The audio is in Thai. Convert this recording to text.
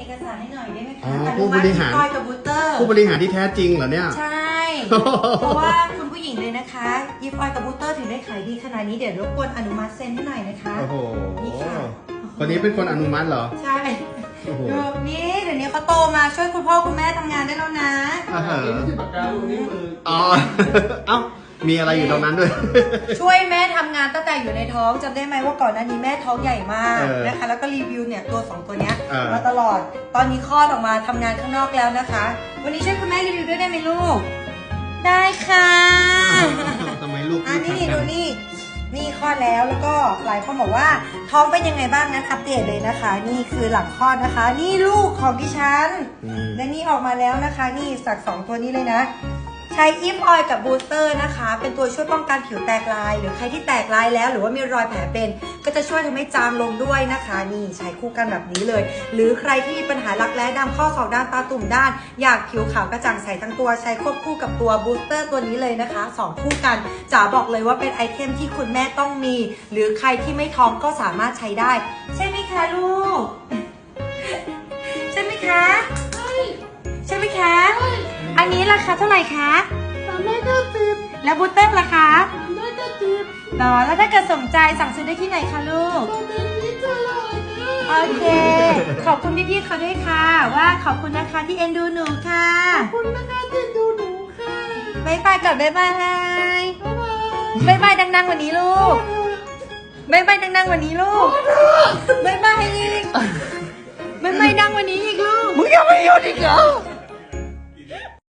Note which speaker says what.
Speaker 1: เอกสารให้หน่อยได้ไหมคะ
Speaker 2: ผู้บริหาร
Speaker 1: คอยกับบูสเตอร์
Speaker 2: ผู้บริหารที่แท้จริงเหรอเนี่ย
Speaker 1: ใช่ เพราะว่าคุณผู้หญิงเลยนะคะยิปออยกับบูสเตอร์ถึงได้ขายดีขนาดนี้เดี๋ยวรบกวนอนุมัติเซ็นให้หน่อยนะคะ
Speaker 2: โอ้โห
Speaker 1: นี่ค่ะ
Speaker 2: คนนี้เป็นคนอนุมัติเหรอ
Speaker 1: ใช่
Speaker 2: โอ้โห
Speaker 1: ดูนี่เดี๋ยวนี้เขาโตมาช่วยคุณพ่อคุณแม่ทำงานได้แล้วนะ
Speaker 3: นี่คือปากกาลูกนิ้วมือ
Speaker 2: อ๋อ เอ้า มีอะไรอยู่ตรงนั้นด้วย
Speaker 1: ช่วยแม่ทำงานตั้งแต่อยู่ในท้องจำได้ไหมว่าก่อนหน้านี้แม่ท้องใหญ่มาก
Speaker 2: เออ
Speaker 1: นะคะ แล้วก็รีวิวเนี่ยตัว2ตัวเนี้ย
Speaker 2: เออ
Speaker 1: มาตลอด ตอนนี้คลอดออกมาทำงานข้างนอกแล้วนะคะ วันนี้ช่วยคุณแม่รีวิวด้วยได้ไหมลูก ได้ค่ะ
Speaker 2: ทำไมลูก
Speaker 1: อันนี้
Speaker 2: พู
Speaker 1: ดู
Speaker 2: ด
Speaker 1: นี่คลอดแล้วแล้วก็หลายคนบอกว่าท้องเป็นยังไงบ้างนะอัปเดตเลยนะคะ นี่คือหลังคลอดนะคะ นี่ลูกของดิฉัน และนี่ออกมาแล้วนะคะ นี่สัก2ตัวนี้เลยนะ ใช้อิฟออยล์กับบูสเตอร์นะคะ เป็นตัวช่วยป้องกันผิวแตกลาย หรือใครที่แตกลายแล้วหรือว่ามีรอยแผลเป็น ก็จะช่วยทำให้จางลงด้วยนะคะ นี่ใช้คู่กันแบบนี้เลย หรือใครที่มีปัญหารักแร้ดำข้อศอกด้านตาตุ่มด้าน อยากผิวขาวกระจ่างใสทั้งตัวใช้ควบคู่กับตัวบูสเตอร์ตัวนี้เลยนะคะ2คู่กันจ๋าบอกเลยว่าเป็นไอเทมที่คุณแม่ต้องมี หรือใครที่ไม่ท้องก็สามารถใช้ได้ ใช่ไหมคะลูก ใช่ไหมคะใช่ไหมคะ อันนี้ราคาเท่าไหร่คะ
Speaker 3: 390
Speaker 1: แล้วบูสเตอร์ล่ะคะ
Speaker 3: 390
Speaker 1: ต่อแล้วถ้าเกิดสนใจสั่งซื้อได้ที่ไหนคะลูก
Speaker 3: ตอนนี้จะอร่อยนะ
Speaker 1: โอเค ขอบคุณพี่ๆเขาด้วยค่ะ ว่าขอบคุณนะคะที่เอ็นดูหนูค่ะ
Speaker 3: ขอบคุณนะคะที่ดูหนูค่ะ
Speaker 1: บ๊ายบายกับบ๊ายบาย
Speaker 3: บ๊ายบาย
Speaker 1: บ๊ายบายดังๆวันนี้ลูกบ๊ายบายดังๆวันนี้ลูกบ๊ายบายอีกบ๊ายบายดังวันนี้อีกลูก
Speaker 3: มึงยังไม่หยุดอีกเหรอ